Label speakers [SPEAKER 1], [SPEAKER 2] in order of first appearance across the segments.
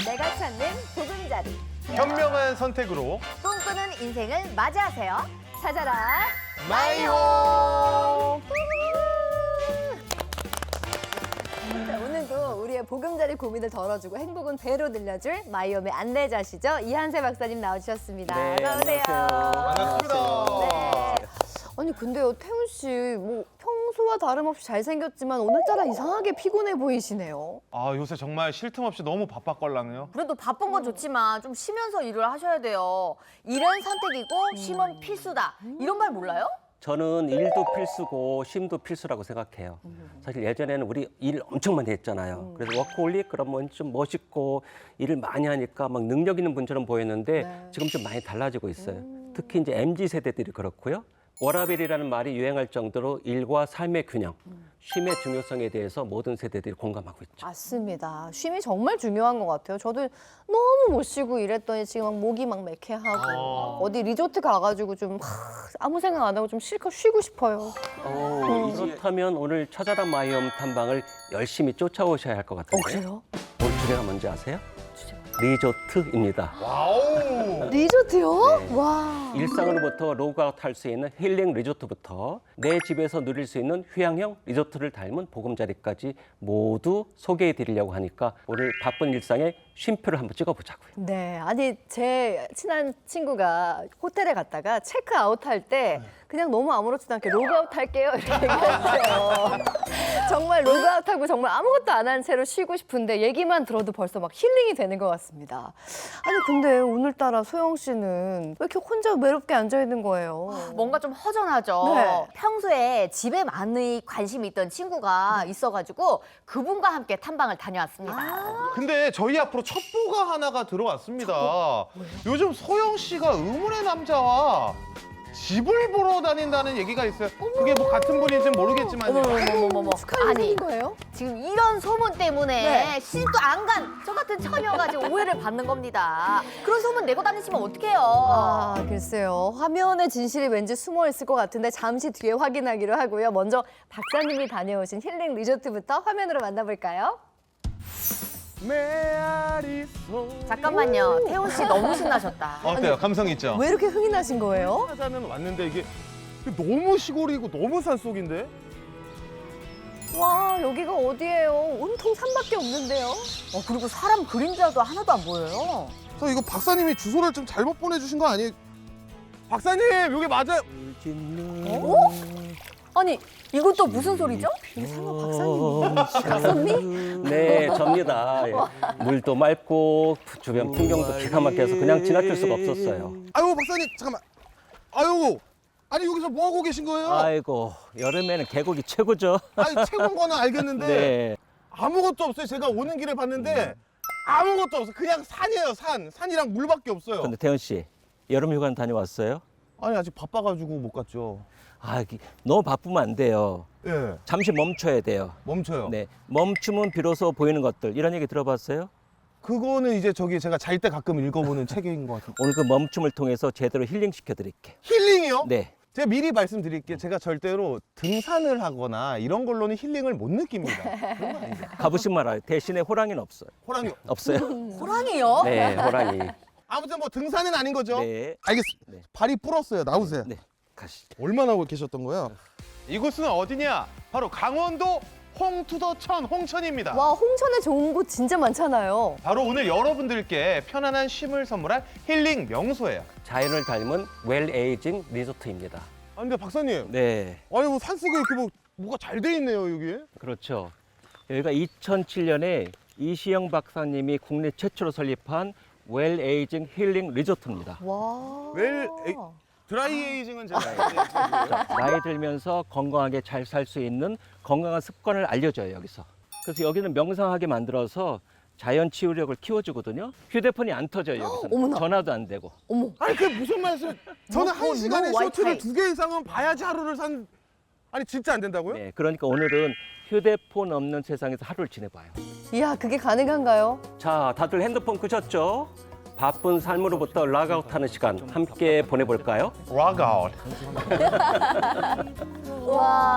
[SPEAKER 1] 내가 찾는 보금자리.
[SPEAKER 2] 현명한 선택으로
[SPEAKER 1] 꿈꾸는 인생을 맞이하세요. 찾아라
[SPEAKER 2] 마이홈.
[SPEAKER 1] 자, 오늘도 우리의 보금자리 고민을 덜어주고 행복은 배로 늘려줄 마이홈의 안내자시죠. 이한세 박사님 나오셨습니다.
[SPEAKER 3] 네,
[SPEAKER 1] 어서 오세요.
[SPEAKER 2] 반갑습니다.
[SPEAKER 1] 네. 아니 근데요, 태훈 씨 뭐 평소와 다름없이 잘생겼지만 오늘따라 이상하게 피곤해 보이시네요.
[SPEAKER 2] 아, 요새 정말 쉴 틈 없이 너무 바빴걸랑요.
[SPEAKER 4] 그래도 바쁜 건 좋지만 좀 쉬면서 일을 하셔야 돼요. 일은 선택이고 쉼은 필수다. 이런 말 몰라요?
[SPEAKER 3] 저는 일도 필수고 쉼도 필수라고 생각해요. 사실 예전에는 우리 일 엄청 많이 했잖아요. 그래서 워커홀릭 그러면 좀 멋있고 일을 많이 하니까 막 능력 있는 분처럼 보였는데
[SPEAKER 1] 네.
[SPEAKER 3] 지금 좀 많이 달라지고 있어요. 특히 이제 MZ 세대들이 그렇고요. 워라밸이라는 말이 유행할 정도로 일과 삶의 균형, 쉼의 중요성에 대해서 모든 세대들이 공감하고 있죠.
[SPEAKER 1] 맞습니다. 쉼이 정말 중요한 것 같아요. 저도 너무 못 쉬고 일했더니 지금 막 목이 막 매캐하고 어디 리조트 가가지고 좀 아무 생각 안 하고 좀 실컷 쉬고 싶어요.
[SPEAKER 3] 그렇다면 오늘 찾아라 마이홈 탐방을 열심히 쫓아오셔야 할 것 같은데.
[SPEAKER 1] 그래요?
[SPEAKER 3] 오늘 주제가 뭔지 아세요? 리조트입니다.
[SPEAKER 2] 와우.
[SPEAKER 1] 리조트요?
[SPEAKER 3] 네.
[SPEAKER 1] 와.
[SPEAKER 3] 일상으로부터 로그아웃 할 수 있는 힐링 리조트부터 내 집에서 누릴 수 있는 휴양형 리조트를 닮은 보금자리까지 모두 소개해 드리려고 하니까 오늘 바쁜 일상에 쉼표를 한번 찍어보자고요.
[SPEAKER 1] 네, 아니 제 친한 친구가 호텔에 갔다가 체크아웃 할 때 그냥 너무 아무렇지도 않게 로그아웃 할게요 이렇게 얘기했어요. 정말 로그아웃하고 정말 아무것도 안 한 채로 쉬고 싶은데 얘기만 들어도 벌써 막 힐링이 되는 것 같습니다. 아니 근데 오늘따라 소영 씨는 왜 이렇게 혼자 외롭게 앉아 있는 거예요?
[SPEAKER 4] 뭔가 좀 허전하죠.
[SPEAKER 1] 네.
[SPEAKER 4] 평소에 집에 많이 관심이 있던 친구가 있어가지고 그분과 함께 탐방을 다녀왔습니다.
[SPEAKER 2] 근데 저희 앞으로 첩보가 하나가 들어왔습니다. 요즘 소영 씨가 의문의 남자와 집을 보러 다닌다는 얘기가 있어요. 그게 뭐 같은 분인지는 모르겠지만요.
[SPEAKER 4] 어머머머머.
[SPEAKER 1] 축하해
[SPEAKER 4] 아니
[SPEAKER 1] 주는 거예요?
[SPEAKER 4] 지금 이런 소문 때문에
[SPEAKER 1] 네.
[SPEAKER 4] 시집도 안 간 저 같은 처녀가 지금 오해를 받는 겁니다. 그런 소문 내고 다니시면 어떡해요?
[SPEAKER 1] 아, 글쎄요. 화면에 진실이 왠지 숨어 있을 것 같은데 잠시 뒤에 확인하기로 하고요. 먼저 박사님이 다녀오신 힐링 리조트부터 화면으로 만나볼까요?
[SPEAKER 2] 메아리 소.
[SPEAKER 4] 잠깐만요. 태훈 씨 너무 신나셨다.
[SPEAKER 2] 어때요? 감성 있죠?
[SPEAKER 1] 왜 이렇게 흥이 나신 거예요?
[SPEAKER 2] 찾아는 왔는데 이게 너무 시골이고 너무 산속인데?
[SPEAKER 1] 와, 여기가 어디예요? 온통 산밖에 없는데요.
[SPEAKER 4] 그리고 사람 그림자도 하나도 안 보여요.
[SPEAKER 5] 저 이거 박사님이 주소를 좀 잘못 보내주신 거 아니에요?
[SPEAKER 2] 박사님, 여기 맞아요.
[SPEAKER 1] 아니,
[SPEAKER 4] 이건 또 무슨 소리죠?
[SPEAKER 1] 설마 박사님?
[SPEAKER 3] 네, 접니다. 예. 물도 맑고 주변 풍경도 기가 막혀서 그냥 지나칠 수가 없었어요.
[SPEAKER 5] 아유 박사님 잠깐만. 아유 아니 여기서 뭐 하고 계신 거예요?
[SPEAKER 3] 아이고, 여름에는 계곡이 최고죠.
[SPEAKER 5] 아니 최고인 거는 알겠는데
[SPEAKER 3] 네.
[SPEAKER 5] 아무것도 없어요. 제가 오는 길에 봤는데 아무것도 없어. 그냥 산이에요. 산이랑 물밖에 없어요.
[SPEAKER 3] 근데 태훈 씨, 여름 휴가는 다녀왔어요?
[SPEAKER 5] 아니 아직 바빠가지고 못 갔죠.
[SPEAKER 3] 아, 너무 바쁘면 안 돼요.
[SPEAKER 5] 예,
[SPEAKER 3] 잠시 멈춰야 돼요.
[SPEAKER 5] 멈춰요.
[SPEAKER 3] 네, 멈추면 비로소 보이는 것들 이런 얘기 들어봤어요?
[SPEAKER 5] 그거는 이제 저기 제가 잘 때 가끔 읽어보는 책인 것 같아요.
[SPEAKER 3] 오늘 그 멈춤을 통해서 제대로 힐링 시켜드릴게.
[SPEAKER 5] 힐링이요?
[SPEAKER 3] 네,
[SPEAKER 5] 제가 미리 말씀드릴게요. 제가 절대로 등산을 하거나 이런 걸로는 힐링을 못 느낍니다. 그런 거 아니죠?
[SPEAKER 3] 가보신 말아요. 대신에 호랑이는 없어요.
[SPEAKER 5] 호랑이.
[SPEAKER 3] 없어요?
[SPEAKER 4] 호랑이요?
[SPEAKER 3] 네, 호랑이.
[SPEAKER 5] 아무튼 뭐 등산은 아닌 거죠?
[SPEAKER 3] 네,
[SPEAKER 5] 알겠습니다.
[SPEAKER 3] 네.
[SPEAKER 5] 발이 불었어요. 나오세요.
[SPEAKER 3] 네, 가시죠.
[SPEAKER 5] 얼마나 계셨던 거야?
[SPEAKER 2] 이곳은 어디냐? 바로 강원도 홍투더천 홍천입니다.
[SPEAKER 1] 와, 홍천에 좋은 곳 진짜 많잖아요.
[SPEAKER 2] 바로 오늘 여러분들께 편안한 쉼을 선물할 힐링 명소예요.
[SPEAKER 3] 자연을 닮은 웰 에이징 리조트입니다.
[SPEAKER 5] 아 근데 박사님,
[SPEAKER 3] 네,
[SPEAKER 5] 아니 뭐 산속에 이렇게 뭐가 잘 돼 있네요 여기.
[SPEAKER 3] 그렇죠. 여기가 2007년에 이시영 박사님이 국내 최초로 설립한 웰 에이징 힐링 리조트입니다.
[SPEAKER 1] 와.
[SPEAKER 5] 드라이 에이징은 제가
[SPEAKER 3] 자, 나이 들면서 건강하게 잘 살 수 있는 건강한 습관을 알려줘요, 여기서. 그래서 여기는 명상하게 만들어서 자연 치유력을 키워주거든요. 휴대폰이 안 터져요, 여기서.
[SPEAKER 1] 어머나.
[SPEAKER 3] 전화도 안 되고.
[SPEAKER 1] 어머.
[SPEAKER 5] 아니 그게 무슨 말씀? 저는 한 시간에
[SPEAKER 4] 와이파이.
[SPEAKER 5] 쇼트를 2개 이상은 봐야지 하루를 산. 아니 진짜 안 된다고요?
[SPEAKER 3] 네, 그러니까 오늘은 휴대폰 없는 세상에서 하루를 지내봐요.
[SPEAKER 1] 이야, 그게 가능한가요?
[SPEAKER 3] 자, 다들 핸드폰 끄셨죠? 바쁜 삶으로부터 락아웃하는 시간 함께 보내볼까요?
[SPEAKER 2] 락아웃.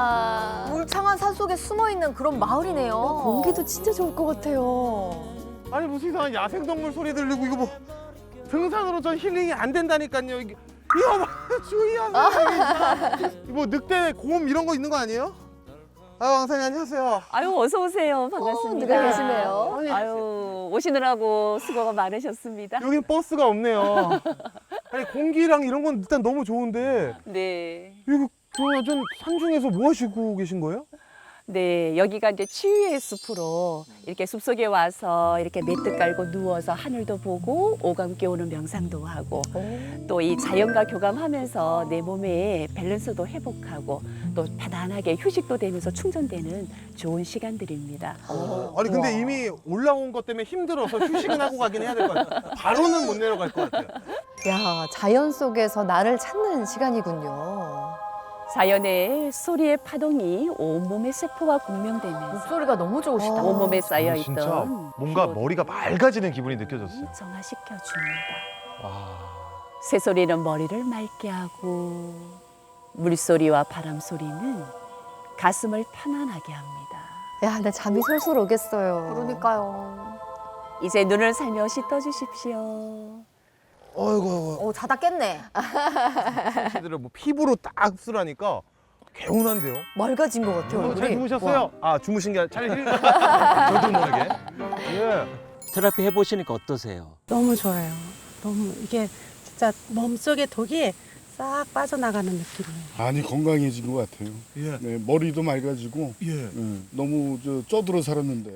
[SPEAKER 1] 와.
[SPEAKER 4] 울창한 산 속에 숨어 있는 그런 마을이네요.
[SPEAKER 1] 공기도 진짜 좋을 것 같아요.
[SPEAKER 5] 아니 무슨 이상한 야생동물 소리 들리고 이거 뭐 등산으로 전 힐링이 안 된다니까요. 이거 봐 주의하세요. 뭐 늑대, 곰 이런 거 있는 거 아니에요? 아 왕사님 안녕하세요.
[SPEAKER 6] 아유 어서 오세요. 반갑습니다.
[SPEAKER 1] 누가 계시네요.
[SPEAKER 6] 아유 오시느라고 수고가 많으셨습니다.
[SPEAKER 5] 여긴 버스가 없네요. 아니 공기랑 이런 건 일단 너무 좋은데
[SPEAKER 6] 네.
[SPEAKER 5] 이거 그러면 좀 산중에서 뭐 하시고 계신 거예요?
[SPEAKER 6] 네, 여기가 이제 치유의 숲으로 이렇게 숲속에 와서 이렇게 매트 깔고 누워서 하늘도 보고 오감 깨우는 명상도 하고 또 이 자연과 교감하면서 내 몸의 밸런스도 회복하고 또 편안하게 휴식도 되면서 충전되는 좋은 시간들입니다.
[SPEAKER 5] 아니 근데 이미 올라온 것 때문에 힘들어서 휴식은 하고 가긴 해야 될 것 같아요. 바로는 못 내려갈 것 같아요.
[SPEAKER 1] 야, 자연 속에서 나를 찾는 시간이군요.
[SPEAKER 6] 자연의 소리의 파동이 온몸의 세포와 공명되면서
[SPEAKER 4] 목소리가 너무 좋으시다.
[SPEAKER 6] 온몸에 쌓여
[SPEAKER 2] 진짜
[SPEAKER 6] 있던
[SPEAKER 2] 뭔가
[SPEAKER 6] 피로를
[SPEAKER 2] 머리가 맑아지는 기분이 느껴졌어요.
[SPEAKER 6] 정화시켜 줍니다.
[SPEAKER 2] 와.
[SPEAKER 6] 새소리는 머리를 맑게 하고 물소리와 바람소리는 가슴을 편안하게 합니다.
[SPEAKER 1] 야, 내 잠이 솔솔 오겠어요.
[SPEAKER 4] 그러니까요.
[SPEAKER 6] 이제 눈을 살며시 떠주십시오.
[SPEAKER 5] 어이구
[SPEAKER 4] 자다 깼네.
[SPEAKER 5] 씨들을 뭐 피부로 딱 흡수하니까 개운한데요.
[SPEAKER 1] 맑아진 것 같아요.
[SPEAKER 2] 잘
[SPEAKER 1] 얼굴이.
[SPEAKER 2] 주무셨어요?
[SPEAKER 5] 아 주무신 게 아니라 잘 힐.
[SPEAKER 2] 저도 모르게.
[SPEAKER 5] 예.
[SPEAKER 3] 테라피 해보시니까 어떠세요?
[SPEAKER 7] 너무 좋아요. 너무 이게 진짜 몸속의 독이 싹 빠져나가는 느낌이에요.
[SPEAKER 8] 많이 건강해진 것 같아요.
[SPEAKER 5] 예.
[SPEAKER 8] 네, 머리도 맑아지고
[SPEAKER 5] 예.
[SPEAKER 8] 너무 쪄들어 살았는데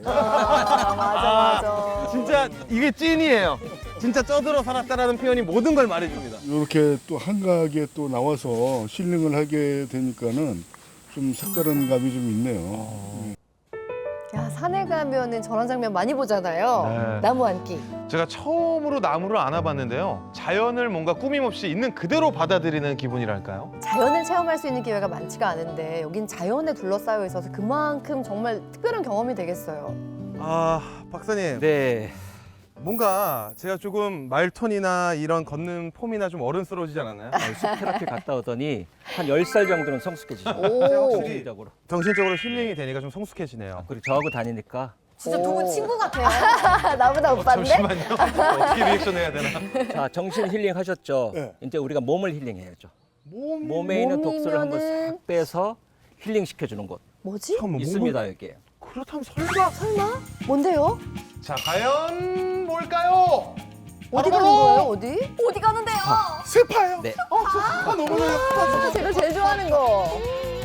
[SPEAKER 1] 맞아.
[SPEAKER 5] 진짜 이게 찐이에요. 진짜 쪄들어 살았다라는 표현이 모든 걸 말해줍니다.
[SPEAKER 8] 이렇게 또 한가하게 또 나와서 힐링을 하게 되니까는 좀 색다른 감이 좀 있네요.
[SPEAKER 1] 야, 산에 가면은 저런 장면 많이 보잖아요.
[SPEAKER 2] 네.
[SPEAKER 1] 나무 앉기.
[SPEAKER 2] 제가 처음으로 나무를 안아봤는데요. 자연을 뭔가 꾸밈없이 있는 그대로 받아들이는 기분이랄까요?
[SPEAKER 1] 자연을 체험할 수 있는 기회가 많지가 않은데 여긴 자연에 둘러싸여 있어서 그만큼 정말 특별한 경험이 되겠어요.
[SPEAKER 5] 아 박사님
[SPEAKER 3] 네.
[SPEAKER 5] 뭔가 제가 조금 말톤이나 이런 걷는 폼이나 좀 어른스러워지지 않았나요?
[SPEAKER 3] 숲 테라피 갔다 오더니 한 10살 정도는 성숙해지죠.
[SPEAKER 1] 오.
[SPEAKER 3] 정신적으로.
[SPEAKER 5] 정신적으로 힐링이 되니까 좀 성숙해지네요.
[SPEAKER 3] 그리고 저하고 다니니까
[SPEAKER 4] 진짜 두 분 친구 같아요.
[SPEAKER 1] 나보다 오빠인데?
[SPEAKER 2] 잠시만요. 어떻게 리액션 해야 되나?
[SPEAKER 3] 자 정신 힐링 하셨죠?
[SPEAKER 8] 네.
[SPEAKER 3] 이제 우리가 몸을 힐링해야죠. 몸에 있는 독소를 한번
[SPEAKER 1] 몸이면은-
[SPEAKER 3] 싹 빼서 힐링 시켜주는 곳
[SPEAKER 1] 뭐지?
[SPEAKER 5] 잠깐만,
[SPEAKER 3] 있습니다 여기에.
[SPEAKER 5] 그렇다면 설마
[SPEAKER 1] 설마? 뭔데요?
[SPEAKER 2] 자, 과연 뭘까요?
[SPEAKER 1] 어디
[SPEAKER 2] 바로
[SPEAKER 1] 가는 거예요? 어디?
[SPEAKER 4] 어디 가는데요?
[SPEAKER 5] 스파요?
[SPEAKER 3] 네.
[SPEAKER 5] 저 너무 좋아요.
[SPEAKER 1] 아, 제가 제일 좋아하는 거.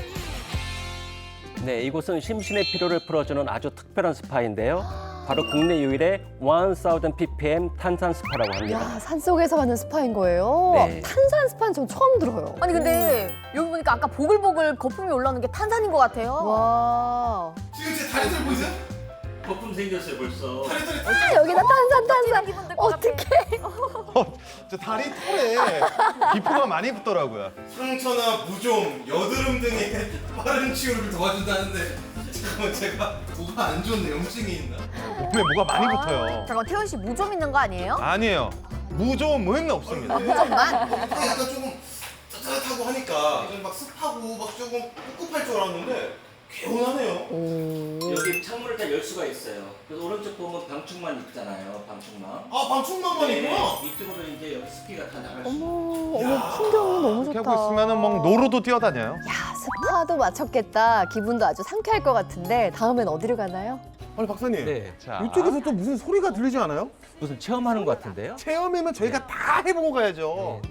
[SPEAKER 3] 네, 이곳은 심신의 피로를 풀어주는 아주 특별한 스파인데요. 바로 국내 유일의 1000 ppm 탄산 스파라고 합니다.
[SPEAKER 1] 야, 산속에서 하는 스파인 거예요?
[SPEAKER 3] 네.
[SPEAKER 1] 탄산 스파는 전 처음 들어요.
[SPEAKER 4] 아니 근데 여기 보니까 아까 보글보글 거품이 올라오는 게 탄산인 것 같아요.
[SPEAKER 1] 와.
[SPEAKER 5] 지금 제 다리들 보이세요?
[SPEAKER 3] 거품 생겼어요 벌써.
[SPEAKER 1] 아, 여기다 탄산. 어떡해.
[SPEAKER 2] 저 다리 털에 기포가 많이 붙더라고요.
[SPEAKER 5] 상처나 무좀, 여드름 등의 빠른 치유를 도와준다는데 잠깐만 제가 뭐가 안 좋은 염증이 있나?
[SPEAKER 2] 몸에 뭐가 많이 붙어요.
[SPEAKER 4] 잠깐 태연 씨 무좀 있는 거 아니에요?
[SPEAKER 2] 아니에요. 무좀은 없습니다.
[SPEAKER 4] 무좀만?
[SPEAKER 5] 약간 조금 따뜻하고 하니까 이건 막 습하고 막 조금 꿉꿉할 줄 알았는데 개운하네요.
[SPEAKER 3] 여기 창문을 다 열 수가 있어요. 그래서 오른쪽 보면 방충망 있잖아요. 방충망.
[SPEAKER 5] 아 방충망만 있구나.
[SPEAKER 3] 이쪽으로 이제 여기 습기가 다 나갈 수 있어요.
[SPEAKER 1] 어머, 풍경이 너무
[SPEAKER 2] 이렇게
[SPEAKER 1] 좋다.
[SPEAKER 2] 하고 있으면은 막 노루도 뛰어다녀요.
[SPEAKER 1] 야, 스파도 마쳤겠다. 기분도 아주 상쾌할 것 같은데 다음엔 어디로 가나요?
[SPEAKER 5] 아니 박사님
[SPEAKER 3] 네.
[SPEAKER 2] 자,
[SPEAKER 5] 이쪽에서 또 무슨 소리가 들리지 않아요?
[SPEAKER 3] 무슨 체험하는 것 같은데요?
[SPEAKER 5] 체험이면 저희가 다 해보고 가야죠.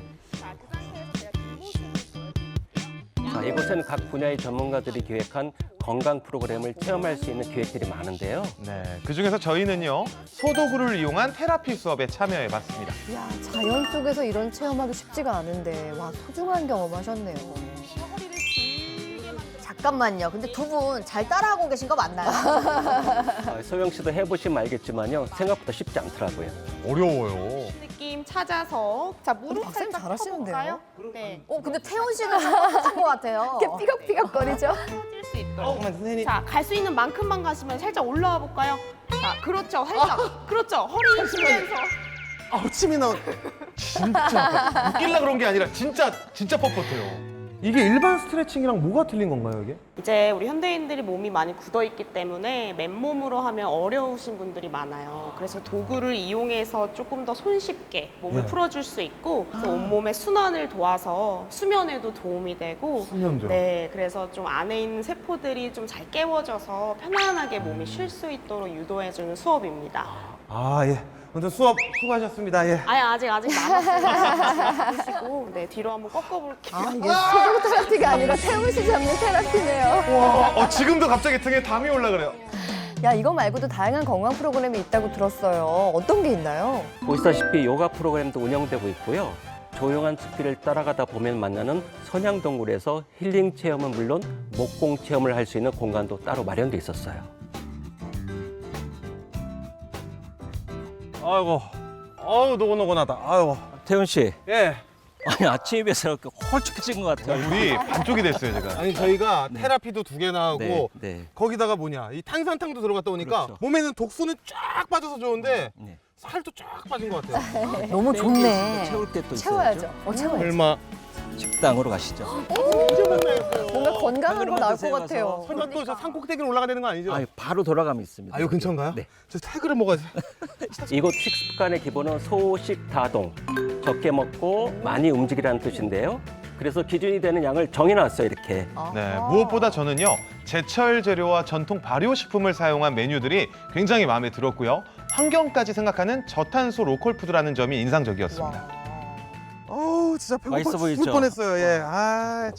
[SPEAKER 3] 자, 이곳에는 각 분야의 전문가들이 기획한 건강 프로그램을 체험할 수 있는 기획들이 많은데요.
[SPEAKER 2] 네, 그 중에서 저희는요 소도구를 이용한 테라피 수업에 참여해봤습니다.
[SPEAKER 1] 야, 자연 속에서 이런 체험하기 쉽지가 않은데 와, 소중한 경험하셨네요.
[SPEAKER 4] 잠깐만요. 근데 두 분 잘 따라하고 계신 거 맞나요?
[SPEAKER 3] 소영 씨도 해보시면 알겠지만요. 생각보다 쉽지 않더라고요.
[SPEAKER 2] 어려워요.
[SPEAKER 9] 느낌 찾아서 자 무릎
[SPEAKER 1] 박사님
[SPEAKER 9] 살짝
[SPEAKER 1] 잘하시는데요?
[SPEAKER 9] 펴볼까요? 네.
[SPEAKER 4] 근데 태연 씨는 좀 뻣뻣한 것 같아요.
[SPEAKER 1] 이렇게 삐걱삐걱거리죠?
[SPEAKER 9] 펴질 수 있도록.
[SPEAKER 5] 잠깐만 선생님.
[SPEAKER 9] 자, 갈 수 있는 만큼만 가시면 살짝 올라와 볼까요? 자, 그렇죠. 살짝. 그렇죠. 허리 숙이면서.
[SPEAKER 5] 아우 침이 나오.
[SPEAKER 2] 진짜 웃기려 그런 게 아니라 진짜 뻣뻣해요.
[SPEAKER 5] 이게 일반 스트레칭이랑 뭐가 틀린 건가요, 이게?
[SPEAKER 9] 이제 우리 현대인들이 몸이 많이 굳어 있기 때문에 맨몸으로 하면 어려우신 분들이 많아요. 그래서 도구를 이용해서 조금 더 손쉽게 몸을
[SPEAKER 5] 네.
[SPEAKER 9] 풀어줄 수 있고, 그래서 온몸의 순환을 도와서 수면에도 도움이 되고,
[SPEAKER 5] 수면죠.
[SPEAKER 9] 네, 그래서 좀 안에 있는 세포들이 좀 잘 깨워져서 편안하게 몸이 쉴 수 있도록 유도해주는 수업입니다.
[SPEAKER 5] 아, 예. 먼저 수업 수고하셨습니다. 예.
[SPEAKER 9] 아직 남았어요. 보시고, 네, 뒤로 한번 꺾어볼게요.
[SPEAKER 1] 아, 이게 피부 테라피가 아니라 태훈 씨 잡는 테라피네요.
[SPEAKER 2] 와, 지금도 갑자기 등에 담이 올라그래요.
[SPEAKER 1] 야, 이거 말고도 다양한 건강 프로그램이 있다고 들었어요. 어떤 게 있나요?
[SPEAKER 3] 보시다시피 요가 프로그램도 운영되고 있고요. 조용한 숲길을 따라가다 보면 만나는 선양동굴에서 힐링 체험은 물론 목공 체험을 할 수 있는 공간도 따로 마련돼 있었어요.
[SPEAKER 5] 아이고. 아우, 노곤노곤하다. 아이고.
[SPEAKER 3] 태훈 씨,
[SPEAKER 5] 예.
[SPEAKER 3] 아니 아침에 비해서 이렇게 홀쭉해진 것 같아요.
[SPEAKER 2] 우리 반쪽이 됐어요, 제가.
[SPEAKER 5] 아니, 저희가 테라피도 2개나 하고
[SPEAKER 3] 네.
[SPEAKER 5] 거기다가 이 탄산탕도 들어갔다 오니까
[SPEAKER 3] 그렇죠.
[SPEAKER 5] 몸에는 독소는 쫙 빠져서 좋은데
[SPEAKER 3] 네.
[SPEAKER 5] 살도 쫙 빠진 것 같아요.
[SPEAKER 4] 너무 좋네.
[SPEAKER 3] 채울 게 또
[SPEAKER 1] 채워야죠.
[SPEAKER 3] 있어야죠.
[SPEAKER 5] 설마
[SPEAKER 3] 식당으로 가시죠.
[SPEAKER 1] 뭔가 건강한 거
[SPEAKER 3] 그러면
[SPEAKER 1] 나올
[SPEAKER 3] 드세요,
[SPEAKER 1] 것 같아요.
[SPEAKER 5] 설마 또 저 산꼭대기로 올라가야 되는 거 아니죠?
[SPEAKER 3] 아, 바로 돌아가면 있습니다.
[SPEAKER 5] 아, 이거 근처인가요?
[SPEAKER 3] 네.
[SPEAKER 5] 저 태그를 먹어야지.
[SPEAKER 3] 이곳 식습관의 기본은 소식다동, 적게 먹고 많이 움직이라는 뜻인데요. 그래서 기준이 되는 양을 정해놨어요, 이렇게.
[SPEAKER 2] 네, 무엇보다 저는요, 제철 재료와 전통 발효식품을 사용한 메뉴들이 굉장히 마음에 들었고요. 환경까지 생각하는 저탄소 로컬 푸드라는 점이 인상적이었습니다.
[SPEAKER 5] 어우, 진짜 배고파
[SPEAKER 3] 맛있어
[SPEAKER 5] 죽을
[SPEAKER 3] 보이죠?
[SPEAKER 5] 뻔했어요. 예. 아,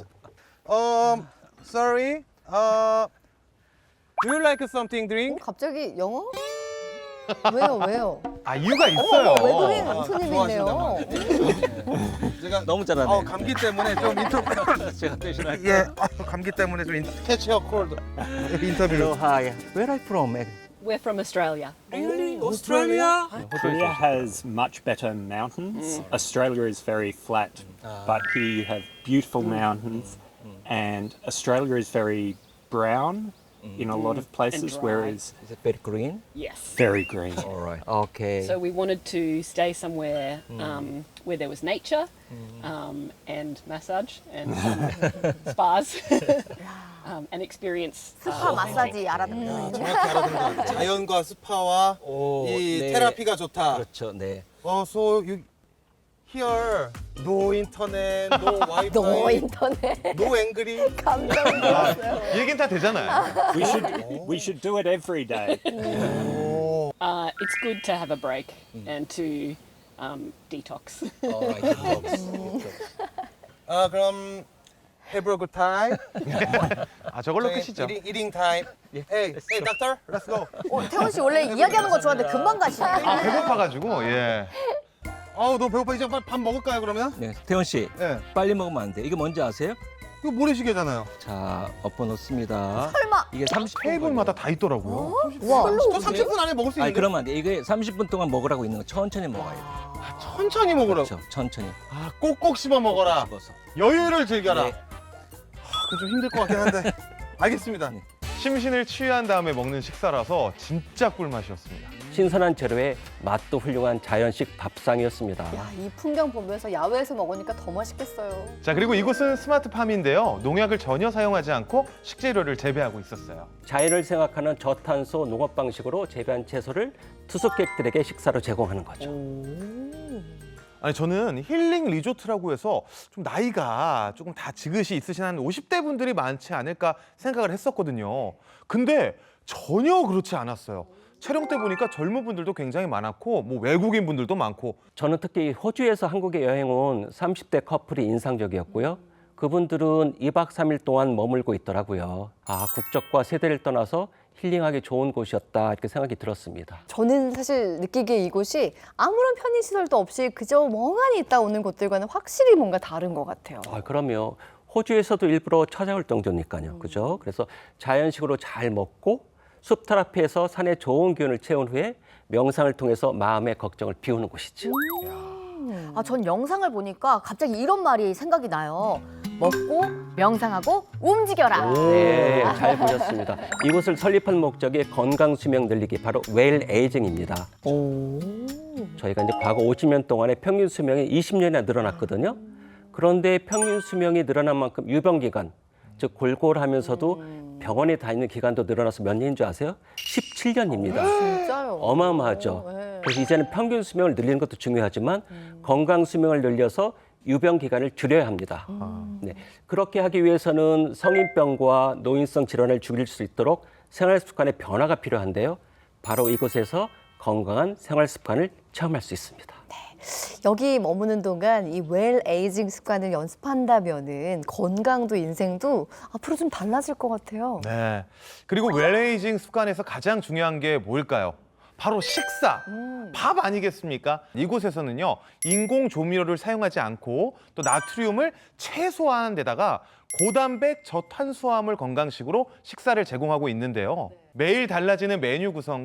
[SPEAKER 5] sorry. Do you like something drink?
[SPEAKER 1] 갑자기 영어? 왜요?
[SPEAKER 2] 아, 이유가 있어요.
[SPEAKER 1] 외국인
[SPEAKER 5] 아,
[SPEAKER 1] 손님이네요.
[SPEAKER 5] 제가
[SPEAKER 3] 너무 잘하네.
[SPEAKER 5] 감기 때문에 좀 인터뷰.
[SPEAKER 3] 제가 대신할게요.
[SPEAKER 5] 예, 감기 때문에 좀 캐치 어 콜드 인터뷰.
[SPEAKER 3] Hello, hi. Where are you from?
[SPEAKER 6] We're from Australia.
[SPEAKER 5] Really? Australia?
[SPEAKER 10] Korea has much better mountains. Australia is very flat, but here you have beautiful mountains, and Australia is very brown in a lot of places,
[SPEAKER 6] dry.
[SPEAKER 10] whereas
[SPEAKER 3] Is it very green?
[SPEAKER 6] Yes.
[SPEAKER 10] very green.
[SPEAKER 3] All right. Okay.
[SPEAKER 6] So we wanted to stay somewhere where there was nature and massage and spas and experience.
[SPEAKER 4] 스파 마사지 알아듣는 거.
[SPEAKER 5] 정확히 알아듣는 것 같아요. 자연과 스파와
[SPEAKER 3] 오,
[SPEAKER 5] 이
[SPEAKER 3] 네.
[SPEAKER 5] 테라피가 좋다.
[SPEAKER 3] 그렇죠. 네.
[SPEAKER 5] So you here no internet, no Wi-Fi,
[SPEAKER 1] 너 인터넷
[SPEAKER 5] no angry.
[SPEAKER 1] 감정 들었어요.
[SPEAKER 2] 얘기는 다 되잖아요.
[SPEAKER 10] We should do it every day.
[SPEAKER 6] It's good to have a break and to detox.
[SPEAKER 3] All right. detox.
[SPEAKER 5] 그럼 have a good time.
[SPEAKER 2] 아, 저걸로 끝이죠.
[SPEAKER 5] Eating time. Hey, doctor, let's go.
[SPEAKER 4] 태훈 씨 원래 이야기하는 거 좋아하는데 금방 가시네.
[SPEAKER 2] 아, 배고파가지고, 예.
[SPEAKER 5] 아우, 너무 배고파. 이제 빨리 밥 먹을까요, 그러면?
[SPEAKER 3] 네, 태훈 씨,
[SPEAKER 5] 예.
[SPEAKER 3] 빨리 먹으면 안 돼. 이게 뭔지 아세요?
[SPEAKER 5] 이거 모래시계잖아요.
[SPEAKER 3] 자, 엎어 놓습니다.
[SPEAKER 4] 설마.
[SPEAKER 3] 이게 30분.
[SPEAKER 2] 테이블마다 다 있더라고요.
[SPEAKER 1] 와,
[SPEAKER 5] 저 30분 안에 먹을 수
[SPEAKER 3] 아니
[SPEAKER 5] 있는데.
[SPEAKER 3] 그러면 안 돼. 이게 30분 동안 먹으라고 있는 거 천천히 먹어야 돼.
[SPEAKER 5] 천천히 먹으라고.
[SPEAKER 3] 그렇죠. 천천히.
[SPEAKER 5] 아, 꼭꼭 씹어 먹어라.
[SPEAKER 3] 씹어서.
[SPEAKER 5] 여유를 즐겨라.
[SPEAKER 3] 네.
[SPEAKER 5] 그건 좀 힘들 것 같긴 한데. 알겠습니다.
[SPEAKER 2] 심신을 치유한 다음에 먹는 식사라서 진짜 꿀맛이었습니다.
[SPEAKER 3] 신선한 재료에 맛도 훌륭한 자연식 밥상이었습니다.
[SPEAKER 1] 야, 이 풍경 보면서 야외에서 먹으니까 더 맛있겠어요.
[SPEAKER 2] 자, 그리고 이곳은 스마트팜인데요. 농약을 전혀 사용하지 않고 식재료를 재배하고 있었어요.
[SPEAKER 3] 자연을 생각하는 저탄소 농업 방식으로 재배한 채소를 투숙객들에게 식사로 제공하는 거죠.
[SPEAKER 2] 아니, 저는 힐링 리조트라고 해서 좀 나이가 조금 다 지긋이 있으신 한 50대 분들이 많지 않을까 생각을 했었거든요. 근데 전혀 그렇지 않았어요. 촬영 때 보니까 젊은 분들도 굉장히 많았고, 뭐 외국인 분들도 많고.
[SPEAKER 3] 저는 특히 호주에서 한국에 여행 온 30대 커플이 인상적이었고요. 그분들은 2박 3일 동안 머물고 있더라고요. 아, 국적과 세대를 떠나서 힐링하기 좋은 곳이었다 이렇게 생각이 들었습니다.
[SPEAKER 1] 저는 사실 느끼기에 이곳이 아무런 편의시설도 없이 그저 멍하니 있다 오는 곳들과는 확실히 뭔가 다른 것 같아요.
[SPEAKER 3] 아, 그럼요. 호주에서도 일부러 찾아올 정도니까요. 그죠? 그래서 자연식으로 잘 먹고 숲 테라피에서 산의 좋은 기운을 채운 후에 명상을 통해서 마음의 걱정을 비우는 곳이죠.
[SPEAKER 4] 아, 전 영상을 보니까 갑자기 이런 말이 생각이 나요. 먹고 명상하고 움직여라.
[SPEAKER 3] 네, 잘 보셨습니다. 이곳을 설립한 목적이 건강 수명 늘리기, 바로 웰 에이징입니다. 저희가 이제 과거 50년 동안에 평균 수명이 20년이나 늘어났거든요. 그런데 평균 수명이 늘어난 만큼 유병 기간, 즉 골골하면서도 병원에 다니는 기간도 늘어나서 몇 년인 줄 아세요? 17년입니다.
[SPEAKER 1] 진짜요?
[SPEAKER 3] 어마어마하죠.
[SPEAKER 1] 네.
[SPEAKER 3] 그래서 이제는 평균 수명을 늘리는 것도 중요하지만 건강 수명을 늘려서 유병 기간을 줄여야 합니다. 네. 그렇게 하기 위해서는 성인병과 노인성 질환을 줄일 수 있도록 생활 습관의 변화가 필요한데요. 바로 이곳에서 건강한 생활 습관을 체험할 수 있습니다.
[SPEAKER 1] 여기 머무는 동안 이 웰 에이징 습관을 연습한다면은 건강도 인생도 앞으로 좀 달라질 것 같아요.
[SPEAKER 2] 네. 그리고 웰에이징 습관에서 가장 중요한 게 뭘까요? 바로 식사, 밥 아니겠습니까? 이곳에서는요, 인공 조미료를 사용하지 않고 또 나트륨을 최소화하는 데다가 고단백 저탄수화물 건강식으로 식사를 제공하고 있는데요. 매일 달라지는 메뉴 구성